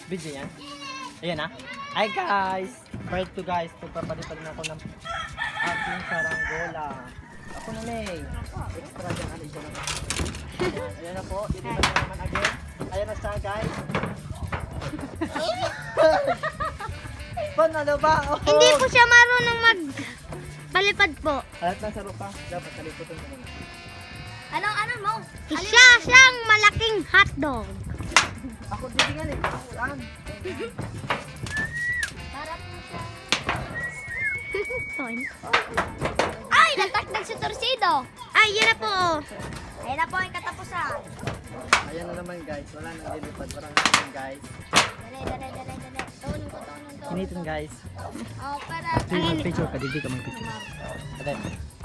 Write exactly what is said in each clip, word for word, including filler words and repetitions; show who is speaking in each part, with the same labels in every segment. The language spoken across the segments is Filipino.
Speaker 1: Video yan. Ayan ah. Hi guys. Part two guys. Pagpapalipad na ako ng aking saranggola. Ako na may. Extra dyan. Ano dyan ako. Ayan, ayan na po. Ilipad na naman again. Ayan na siya guys. Pon, ano ba? Oh.
Speaker 2: Hindi po siya marunong mag palipad po.
Speaker 1: Alat na sa rupa. Dapat naliputan ko muna.
Speaker 3: Anong ano mo?
Speaker 2: Siya siyang malaking hotdog.
Speaker 1: Ako dilingan eh. Ako lang.
Speaker 3: Para po siya.
Speaker 2: Ton.
Speaker 3: Ay, natakdag sa torsido.
Speaker 2: Ay, yun na po.
Speaker 3: Ayun na po ang katapusan.
Speaker 1: Ayan na naman guys. Wala nang lilipad. Wala nang guys.
Speaker 3: Dali, dali, dali, dali. Tunin ko, tunin ko.
Speaker 1: Kinitin guys.
Speaker 3: Oh, para.
Speaker 1: Hindi mag-picture ka. Hindi ka mag-picture. Ayan.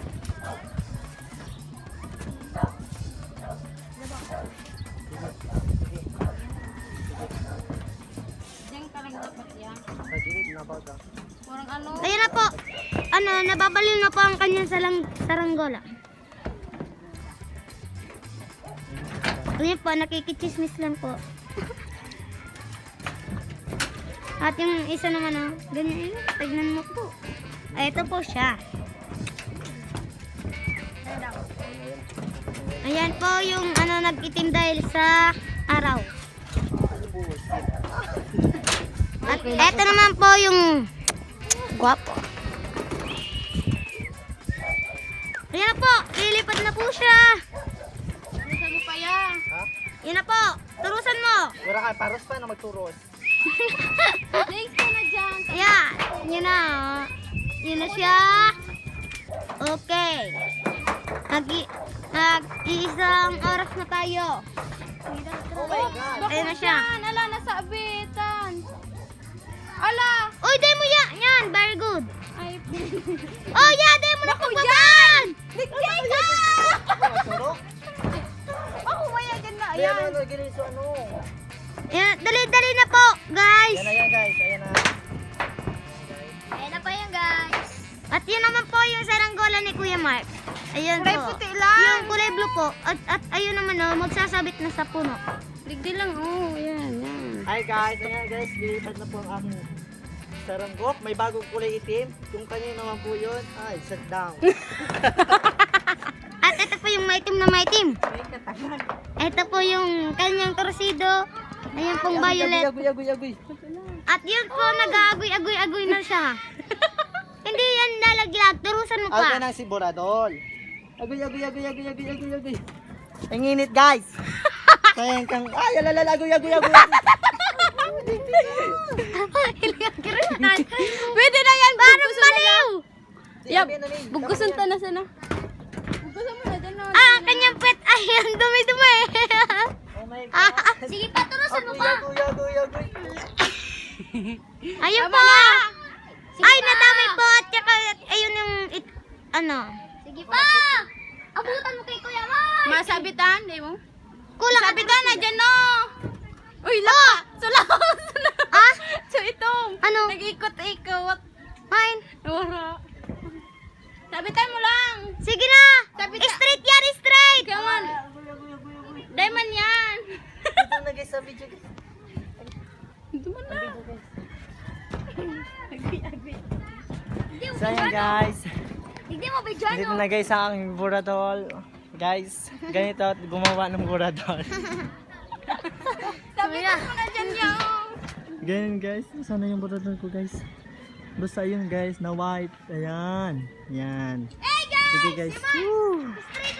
Speaker 3: Diyan talaga dapat yan.
Speaker 1: Nagilid na ba ito?
Speaker 3: Parang ano.
Speaker 2: Ayun na po. Ano, nababaliw na po ang kanyang salang saranggola. Ayun po, nakikichismis lang po. At yung isa naman, oh, ganyan yun. Tignan mo po. Ay, ito po siya. Ayan po yung ano nag-itim dahil sa araw. At ito naman po yung guwapo. Ayan na po, ilipad na po siya.
Speaker 3: Turusan mo pa yan.
Speaker 1: Ha?
Speaker 2: Yan na po, turusan mo.
Speaker 1: Wala ka. Paros pa na magturos.
Speaker 3: Next ko na dyan.
Speaker 2: Ayan, yun na. oh. Yun na siya. Okay. Nag- Nag-iisang oras na tayo.
Speaker 1: Oh my God.
Speaker 2: Ayun na siya.
Speaker 3: Yan, ala, nasa abitan. Ala.
Speaker 2: Uy, day mo yan. Yan, very good.
Speaker 3: Ay,
Speaker 2: Oh, yeah, day mo na po dyan.
Speaker 3: Bigyan ka!
Speaker 1: Surok?
Speaker 3: Ako maya dyan na.
Speaker 1: Ayan.
Speaker 3: Ayan.
Speaker 1: Ano, gilid sa ano.
Speaker 2: Yan, dali-dali na po, guys.
Speaker 1: Ayan na yan guys. Ayan na.
Speaker 3: Ayan na pa yan, guys.
Speaker 2: At yun naman po yung saranggola ni Kuya Mark. Ayun
Speaker 3: Kulay
Speaker 2: po.
Speaker 3: puti lang.
Speaker 2: Yung kulay blue po. At, at ayun naman, oh, magsasabit na sa puno.
Speaker 3: Digdi lang. Oh, yan, yan.
Speaker 1: Hi guys. Ayan guys. Lilipad na po ang aking saranggok. May bagong kulay itim. Yung kanina naman po yun. Ay, sit down.
Speaker 2: At ito po yung maitim na maitim. Ito po yung kanyang torsido. Ayan pong violet.
Speaker 1: Agoy, agoy, agoy.
Speaker 2: At yun po, nag-aagoy-agoy-agoy na siya. Hindi yan nalaglag. Turusan mo
Speaker 1: Agoy
Speaker 2: pa.
Speaker 1: ng siburadol. Agoy, agoy, agoy, agoy, agoy, agoy, agoy. Ang init guys. Kaya kang, ay, alalala, agoy, agoy, agoy.
Speaker 2: Pwede na yan. Parang baliw.
Speaker 1: Yap,
Speaker 3: Bugusan ta na sana. Bugusan mo na dyan na.
Speaker 2: Ah, kanyang pet. Ay, ang dumi-dumi.
Speaker 1: Oh my God.
Speaker 3: Sige pa, turusan mo
Speaker 1: Agoy,
Speaker 3: pa.
Speaker 1: agoy, agoy, agoy.
Speaker 2: Ayun po. Ay, nadami po. At saka, ayun yung, it, ano.
Speaker 3: Sige pa. Abutan mo kay Kuya Mark. Masabitan, di mo?
Speaker 2: Kulang.
Speaker 3: Sabitan na dyan, no. Uy, laka. Sula. Sula.
Speaker 2: Ah?
Speaker 3: So, itong.
Speaker 2: Ano?
Speaker 3: Nag-ikot-ikot.
Speaker 2: Fine.
Speaker 3: Wala. Sabitan mo lang.
Speaker 2: Sige na.
Speaker 3: Sabi ka-
Speaker 2: Straight yan, straight.
Speaker 3: Come on.
Speaker 1: Agoy, agoy, agoy, agoy.
Speaker 3: Diamond yan.
Speaker 1: Ito na guys sa video guys.
Speaker 3: Ito mo na.
Speaker 1: So ayan guys.
Speaker 3: Hindi mo ba dyan,
Speaker 1: Dito na guys ang aking buradol. Guys, ganito at gumawa ng buradol.
Speaker 3: Sabitan mo na dyan yung.
Speaker 1: Ganyan guys. Sana yung buradol ko guys. Basta yun guys na white. Ayan. Yan.
Speaker 3: Hey, guys!
Speaker 1: Sige guys. Woo!